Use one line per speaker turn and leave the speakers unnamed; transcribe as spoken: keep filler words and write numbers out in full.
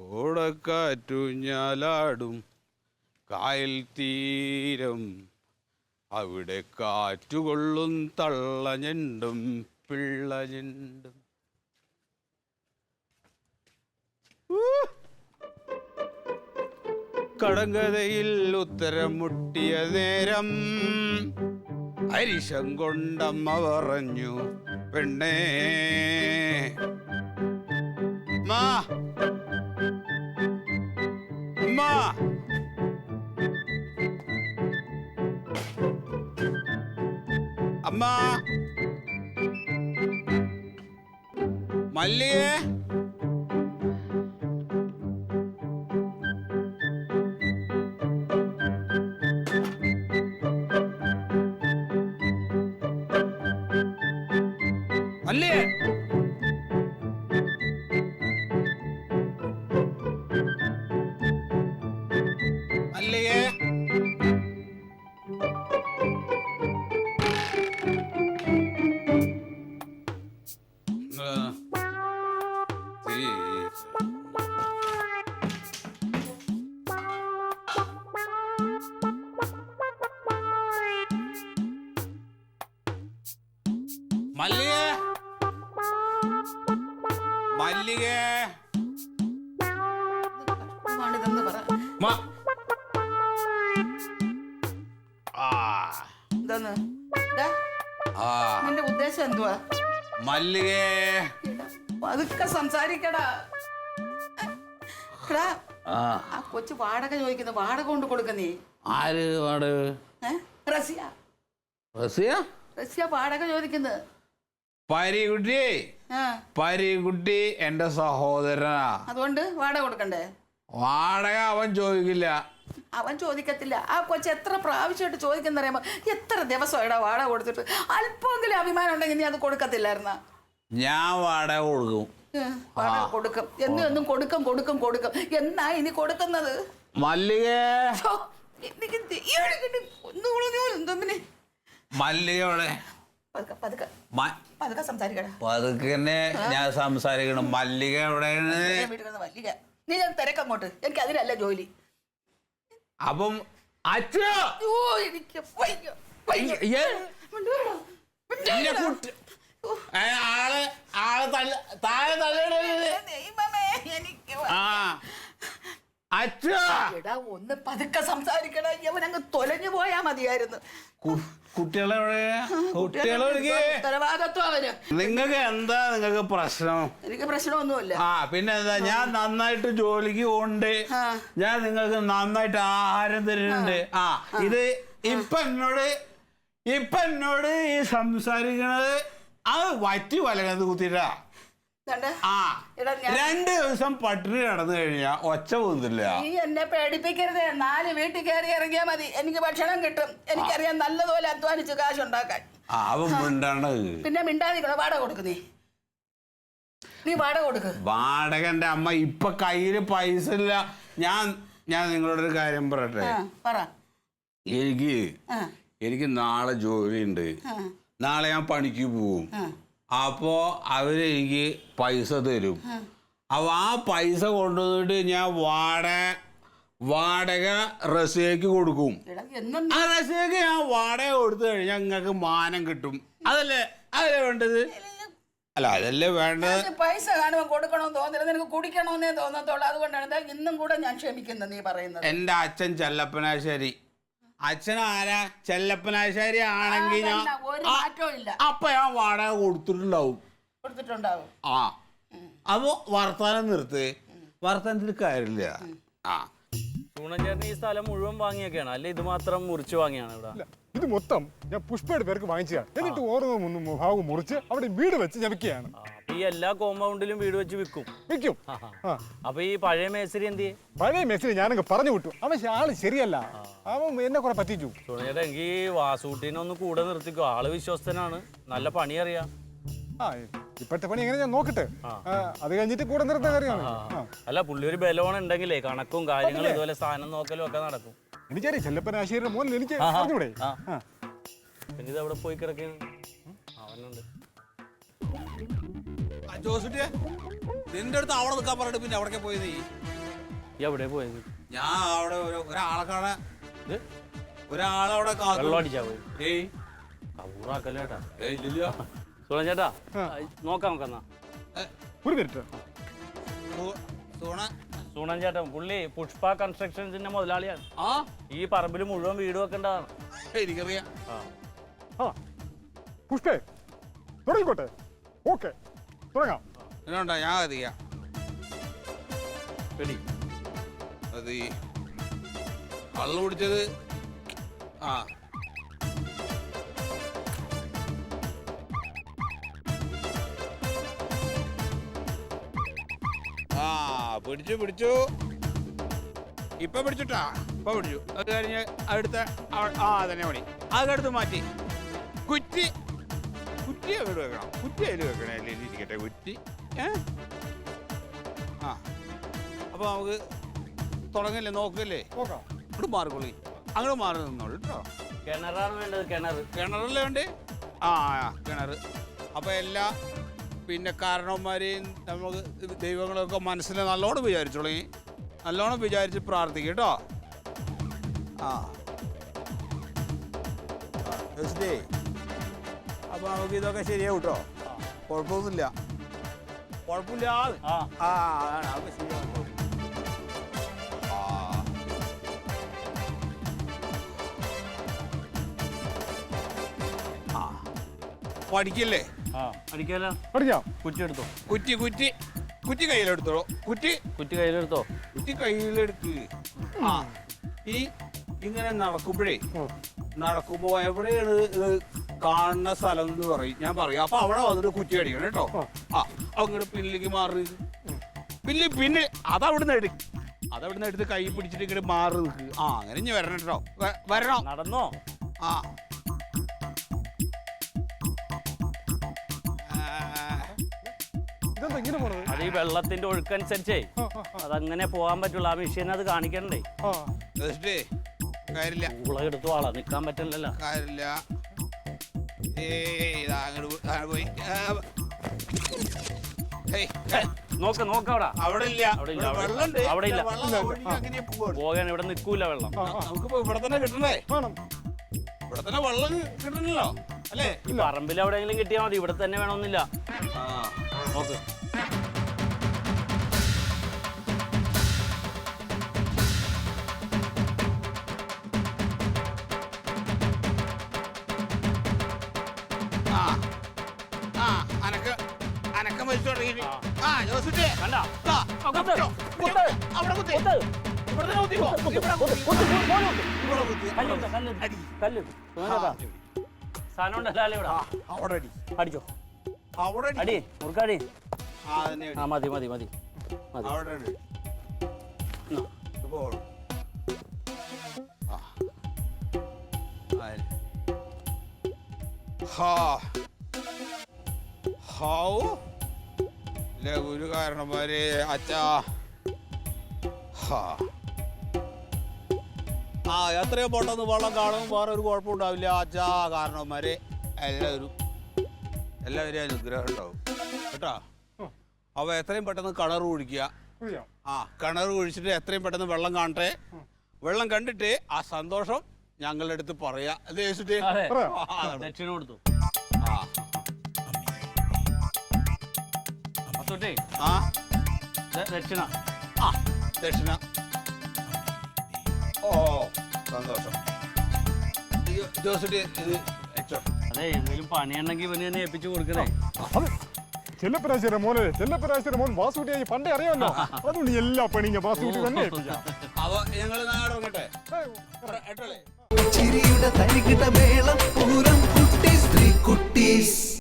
ഓടക്കാറ്റുഞ്ഞാലാടും കായൽ തീരം അവിടെ കാറ്റുകൊള്ളും തള്ളഞ്ഞെണ്ടും പിള്ളഞ്ഞെണ്ടും. കടങ്കഥയിൽ ഉത്തരം മുട്ടിയ നേരം അരിശം കൊണ്ടമ്മ പറഞ്ഞു, പെണ്ണേ മാ മാ അമ്മ മല്ലിയേ മല്ലിയേ മല്ലിയേ മല്ലികേ മല്ലികേ
നിന്റെ ഉദ്ദേശം എന്തുവാ?
മല്ലികേ
പതുക്കെ സംസാരിക്കടാ. ആ കൊച്ചു വാടക ചോദിക്കുന്നു, വാടക കൊണ്ട് കൊടുക്ക. നീ
ആര് വാടക?
റസിയ
റസിയ
റസിയ വാടക ചോദിക്കുന്നത്.
പരികുട്ടി പരികുട്ടി എന്റെ സഹോദരനാ, അതുകൊണ്ട്
വാടക കൊടുക്കണ്ടേ?
വാടക അവൻ ചോദിക്കില്ല.
അവൻ ചോദിക്കത്തില്ല. ആ കൊച്ചു എത്ര പ്രാവശ്യമായിട്ട് ചോദിക്കുന്നറിയാമോ? എത്ര ദിവസമായിടാ വാടക കൊടുത്തിട്ട്? അല്പമെങ്കിലും അഭിമാനം ഉണ്ടെങ്കിൽ നീ അത് കൊടുക്കത്തില്ലായിരുന്ന?
ഞാൻ വാടക കൊടുക്കും.
വാടക കൊടുക്കും എന്നും എന്നും കൊടുക്കും കൊടുക്കും കൊടുക്കും. എന്നാ ഇനി കൊടുക്കുന്നത്?
മല്ലികേ മല്ലികയോടെ
പതുക്കെ സംസാരിക്കടാ.
പതുക്കെ ഞാൻ സംസാരിക്കണം. മല്ലിക എവിടെയാണ്?
മല്ലിക നീ ഞാൻ തിരക്കങ്ങോട്ട്. എനിക്ക് അതിലല്ല ജോലി.
അപ്പം അച്ഛോ
എനിക്ക്
ആള് ആള് തള്ള താഴെ തള്ളേ.
എടാ ഒന്ന് പതുക്കെ സംസാരിക്കണ. ഇവൻ അങ്ങ് തൊലഞ്ഞു പോയാ മതിയായിരുന്നു.
കുട്ടികളെ
ഉത്തരവാദിത്വം അവന്.
നിങ്ങൾക്ക് എന്താ നിങ്ങൾക്ക് പ്രശ്നം?
എനിക്ക് പ്രശ്നമൊന്നുമില്ല.
ആ പിന്നെ എന്താ, ഞാൻ നന്നായിട്ട് ജോലിക്ക് പോണ്ട്, ഞാൻ നിങ്ങൾക്ക് നന്നായിട്ട് ആഹാരം തരുന്നുണ്ട്. ആ ഇത് ഇപ്പൊ എന്നോട് ഇപ്പൊ എന്നോട് ഈ സംസാരിക്കണത് അത് വറ്റി വലകത്ത് കുത്തിട്ടാ. ആ രണ്ട് ദിവസം പട്ടിണി കിടന്നു കഴിഞ്ഞാ ഒച്ച പോകുന്നില്ല.
നീ എന്നെ പേടിപ്പിക്കരുത്. നാല് വീട്ടിൽ കയറി ഇറങ്ങിയാ മതി, എനിക്ക് ഭക്ഷണം കിട്ടും. എനിക്കറിയാം നല്ലതുപോലെ അധ്വാനിച്ച് കാശുണ്ടാക്കാൻ. പിന്നെ മിണ്ടാതിരിക്കണോ? വാടക കൊടുക്ക്. നീ നീ വാടക കൊടുക്ക്.
വാടകന്റെ അമ്മ ഇപ്പൊ കയ്യില് പൈസ ഇല്ല. ഞാൻ ഞാൻ നിങ്ങളോടൊരു കാര്യം പറയട്ടെ. എനിക്ക് എനിക്ക് നാളെ ജോലിയുണ്ട്. നാളെ ഞാൻ പണിക്ക് പോവും. അപ്പോ അവരെനിക്ക് പൈസ തരും. അപ്പൊ ആ പൈസ കൊണ്ടുവന്നിട്ട് ഞാൻ വാടക വാടക റസിയക്ക് കൊടുക്കും. ആ റസിയക്ക് ഞാൻ വാടക കൊടുത്തു കഴിഞ്ഞാൽ നിങ്ങൾക്ക് മാനം കിട്ടും. അതല്ലേ അതല്ലേ വേണ്ടത്? അല്ല അതല്ലേ വേണ്ടത്.
പൈസ കാണുമ്പോൾ കൊടുക്കണമെന്ന് തോന്നില്ല, നിനക്ക് കുടിക്കണമെന്നേ തോന്നത്തുള്ളൂ. അതുകൊണ്ടാണ് ഇന്നും കൂടെ ഞാൻ ക്ഷമിക്കുന്നത്. നീ പറയുന്നത്
എന്റെ അച്ഛൻ ചെല്ലപ്പനാശ്ശേരി. അച്ഛൻ ആരാ? ചെല്ലപ്പനാശ്ശേരി ആണെങ്കിൽ ഞാൻ അപ്പൊ ഞാൻ വാടക കൊടുത്തിട്ടുണ്ടാവും
കൊടുത്തിട്ടുണ്ടാവും
ആ അപ്പൊ വർത്താനം നിർത്ത്. വർത്താനത്തിൽ കാര്യമില്ല. ആ
ചേട്ടൻ ഈ സ്ഥലം മുഴുവൻ വാങ്ങിയൊക്കെയാണ് അല്ലെ? ഇത് മാത്രം മുറിച്ച് വാങ്ങിയാണ് ഇവിടെ?
ഇത് മൊത്തം ഞാൻ പുഷ്പയുടെ പേർക്ക് വാങ്ങിച്ചതാണ്. എന്നിട്ട് ഓരോ ഭാഗം മുറിച്ച് അവിടെ വീട് വെച്ച് ഞെക്കുകയാണ്.
ഈ എല്ലാ കോമ്പൗണ്ടിലും വീട് വെച്ച് വിൽക്കും
വിൽക്കും.
അപ്പൊ ഈ പഴയ മേസ്തിരി എന്ത്?
പഴയ മേസ്തിരി ഞാനങ്ങ് പറഞ്ഞു വിട്ടു. അവൻ ആള് ശരിയല്ല, അവൻ എന്നെ കുറെ പറ്റിച്ചു.
ചേട്ടാ എനിക്ക് വാസൂട്ടിനെ ഒന്ന് കൂടെ നിർത്തിക്കോ. ആള് വിശ്വസ്തനാണ്, നല്ല പണി അറിയാം.
ആ ഇപ്പോഴത്തെ പണി എങ്ങനെ ഞാൻ നോക്കട്ടെ, അത് കഴിഞ്ഞിട്ട് കൂടെ നിർത്താൻ കാര്യമാണ്.
അല്ല പുള്ളി ഒരു ബലവണം ഉണ്ടെങ്കിലേ കണക്കും കാര്യങ്ങളും ഇതുപോലെ സാധനം നോക്കലും ഒക്കെ നടക്കും.
എനിക്കറിയാം ചെല്ലപ്പനാശ്ശേരിയുടെ മോനിൽ എനിക്ക് പറഞ്ഞൂടെ.
പിന്നെ ഇത് അവിടെ പോയി കിടക്കുന്നു അവനുണ്ട്.
ജോസുട്ടിയെ നിന്റെ അടുത്ത് അവിടെ നിൽക്കാൻ പറഞ്ഞിട്ട് പിന്നെ അവിടെ പോയി നീ
ഈ എവിടെ പോയത്?
ഞാൻ അവിടെ ഒരു- ഒരാളെ കാണാൻ
ഇത്
ഒരാളവിടെ കാത്തു.
വെള്ളം അടിച്ചാ പോയി.
ഏയ്
കവൂറാക്കല്ലേട്ടാ.
ഏയ് ഇല്ലില്ല.
സുണൻ ചേട്ടാ നോക്കാം നമുക്കെന്നാ.
ഏ,
ഒരു മിനിറ്റ്
സു- സൂണ.
സുണൻ ചേട്ടൻ പുള്ളി പുഷ്പ കൺസ്ട്രക്ഷൻസിന്റെ മുതലാളിയാണ്.
ആ
ഈ പറമ്പിൽ മുഴുവൻ വീട് വെക്കേണ്ടതാണ്.
എനിക്കറിയാം.
ആ
ആ പുഷ്പേ തുടങ്ങിക്കോട്ടെ. ഓക്കെ തുടങ്ങാം.
എന്നാ ഞാൻ കത്തിക്കാം.
റെഡി.
അത് ഈ കള്ളു കുടിച്ചത് ആ ആ പിടിച്ചു പിടിച്ചു ഇപ്പൊ പിടിച്ചിട്ടാ ഇപ്പൊ പിടിച്ചു. അത് കഴിഞ്ഞ് അടുത്ത അവ- ആ തന്നെ പണി അതെടുത്ത് മാറ്റി കുറ്റി കുറ്റി അങ്ങോട്ട് വെക്കണം. കുറ്റി അതിൽ വെക്കണേ അല്ലേ ഇരിക്കട്ടെ കുറ്റി. ഏ ആ അപ്പൊ നമുക്ക് തുടങ്ങില്ലേ നോക്കല്ലേ.
നോക്കാം.
അങ്ങോട്ട് മാറിക്കൊള്ളി. അങ്ങോട്ട് മാറി നിന്നോളൂ കേട്ടോ.
കിണറാണ് വേണ്ടത്. കിണർ
കിണറല്ലേ വേണ്ടേ? ആ ആ, കിണർ. അപ്പോൾ എല്ലാ പിന്നെ കാരണവന്മാരെയും നമുക്ക് ദൈവങ്ങളൊക്കെ മനസ്സിൽ നല്ലോണം വിചാരിച്ചോളി. നല്ലോണം വിചാരിച്ച് പ്രാർത്ഥിക്കും കേട്ടോ. ആ ജോസിലേ അപ്പോൾ നമുക്ക് ഇതൊക്കെ ശരിയാവും കേട്ടോ. കുഴപ്പമൊന്നുമില്ല. കുഴപ്പമില്ലാതെ
ആ
ആ അതാണ് അതൊക്കെ ശരിയാവും. ആ ആ പഠിക്കല്ലേ.
ആ അടിക്കാലോ.
പഠിക്കാം.
കുറ്റി എടുത്തോ.
കുറ്റി കുറ്റി കുറ്റി കയ്യിലെടുത്തോളൂ. കുറ്റി
കുറ്റി കയ്യിലെടുത്തോ.
കുറ്റി കയ്യിലെടുത്ത് ആ ഈ ഇങ്ങനെ നടക്കുമ്പോഴേ നടക്കുമ്പോ എവിടെയാണ് ഇത് കാണുന്ന സ്ഥലം എന്ന് പറയും. ഞാൻ പറയും. അപ്പൊ അവിടെ വന്നിട്ട് കുറ്റി അടിക്കണം കേട്ടോ. ആ അങ്ങോട്ട് പിന്നിലേക്ക് മാറി പിന്നെ പിന്നെ അതവിടുന്ന് എടു അതവിടുന്ന് എടുത്ത് കൈ പിടിച്ചിട്ട് ഇങ്ങോട്ട് മാറി നിൽക്ക്. ആ അങ്ങനെ ഇനി വരണം കേട്ടോ. വ- വരണം.
നടന്നോ.
ആ
ഇതെന്താ ഇങ്ങനെ പോണത്?
അത് ഈ വെള്ളത്തിന്റെ ഒഴുക്കനുസരിച്ചേ
ആ, ആ, ആ.
അതങ്ങനെ പോകാൻ പറ്റുള്ളൂ. ആ മെഷീൻ അത് കാണിക്കണ്ടേ.
ആ
ജസ്റ്റ് കാര്യമില്ല
ഊള എടുത്തു ആളാ നിക്കാൻ പറ്റില്ലല്ലോ.
കാര്യമില്ല. ഏയ് ഇതാ അങ്ങോട്ട് പോ- ആ, പോയി. ആ, ഹേയ്, ഹേ,
നോക്ക നോക്ക അവിടെ
അവിടെ ഇല്ല.
അവിടെ ഇല്ല,
ഇവിടെ
അവിടെ-
വെള്ളമുണ്ട്.
അവിടെ ഇല്ല.
വെള്ളം ഒഴുകി അങ്ങനെ പോവാണ്.
പോകാൻ ഇവിടെ നിൽക്കൂല വെള്ളം.
ആ, ആ.
നമുക്കിപ്പോ ഇവിടെ തന്നെ കിട്ടണേ.
വേണം.
ഇവിടെ തന്നെ വെള്ളം കിട്ടണല്ലോ അല്ലേ?
ഈ പറമ്പിൽ എവിടെയെങ്കിലും കിട്ടിയാൽ മതി. ഇവിടെ തന്നെ വേണമെന്നില്ല.
ആ
നോക്ക്.
ആ ആ അനക്ക അനക്കം വലിച്ചു തുടങ്ങി. ആ ജോസിന്റെ
കണ്ട
ആ,
കുത്ത്,
കുത്തോ.
കുത്ത്.
അവിടെ കുത്തി.
കുത്ത്.
ഇവിടെ തന്നെ കുത്തിക്കോ.
കുത്ത്,
ഇവിടെ
കുത്ത്,
കുത്തി.
കുത്ത്, കുത്ത്, പോര് കുത്ത്.
ഇവിടെ കുത്തി.
കല്ലിട്ട്, കല്ലിട്ട്.
അടി.
കല്ലിട്ട്. സുഖേട്ടാ. സാധനം ഉണ്ടല്ലോ ഇവിടെ.
ആ, അവിടെ അടി.
അടിച്ചോ.
അവിടെ അടി.
അടി മുറുക്കടി.
ആ തന്നെ അടി.
ആ മതി മതി മതി മതി.
അവിടെ അടി.
എന്നാ.
ഇപ്പോ ആ ആയി. ഹാ ഹൗ ലഘുരു കാരണന്മാരെ അച്ഛാ. ഹാ ആ എത്രയോ പൊട്ടെന്ന് വെള്ളം കാണും. വേറെ ഒരു കുഴപ്പം ഉണ്ടാവില്ല അച്ഛാ. കാരണന്മാരെ എല്ലാവരും എല്ലാവരും അനുഗ്രഹം ഉണ്ടാവും കേട്ടോ. അപ്പോൾ എത്രയും പെട്ടെന്ന് കിണർ കുഴിക്കുക.
കുഴിക്കാം.
ആ കിണർ കുഴിച്ചിട്ട് എത്രയും പെട്ടെന്ന് വെള്ളം കാണട്ടെ. വെള്ളം കണ്ടിട്ട് ആ സന്തോഷം ഞങ്ങളുടെ അടുത്ത് പറയാ. അത് ചോദിച്ചിട്ട്
അതെ.
ആ, അതാണ്.
ദക്ഷിണ കൊടുത്തു.
ആ
അത്തോട്ടേ
ആ
ദക്ഷിണ.
ആ ദക്ഷിണ. ഓ സന്തോഷം. ജോസിട്ട് ഇത് വെച്ചോ.
അതെ എന്തെങ്കിലും പണിയുണ്ടെങ്കിൽ ഇവന് തന്നെ ഏൽപ്പിച്ചു കൊടുക്കണേ.
അത് ചെല്ലപ്പരാശിയുടെ മോനെ ചെല്ലപ്പരാശിയുടെ മോൻ വാസുകുട്ടിയായി പണ്ടേ അറിയാമല്ലോ. അതുകൊണ്ട് എല്ലാ പണിയും വാസുകുട്ടി തന്നെ ഏൽപ്പിക്കാം.
അപ്പൊ ഞങ്ങൾ നാട് ഇറങ്ങട്ടെ.
ഏയ്,
എട്ടല്ലേ
ചിരിയുടെ തരികിട മേളം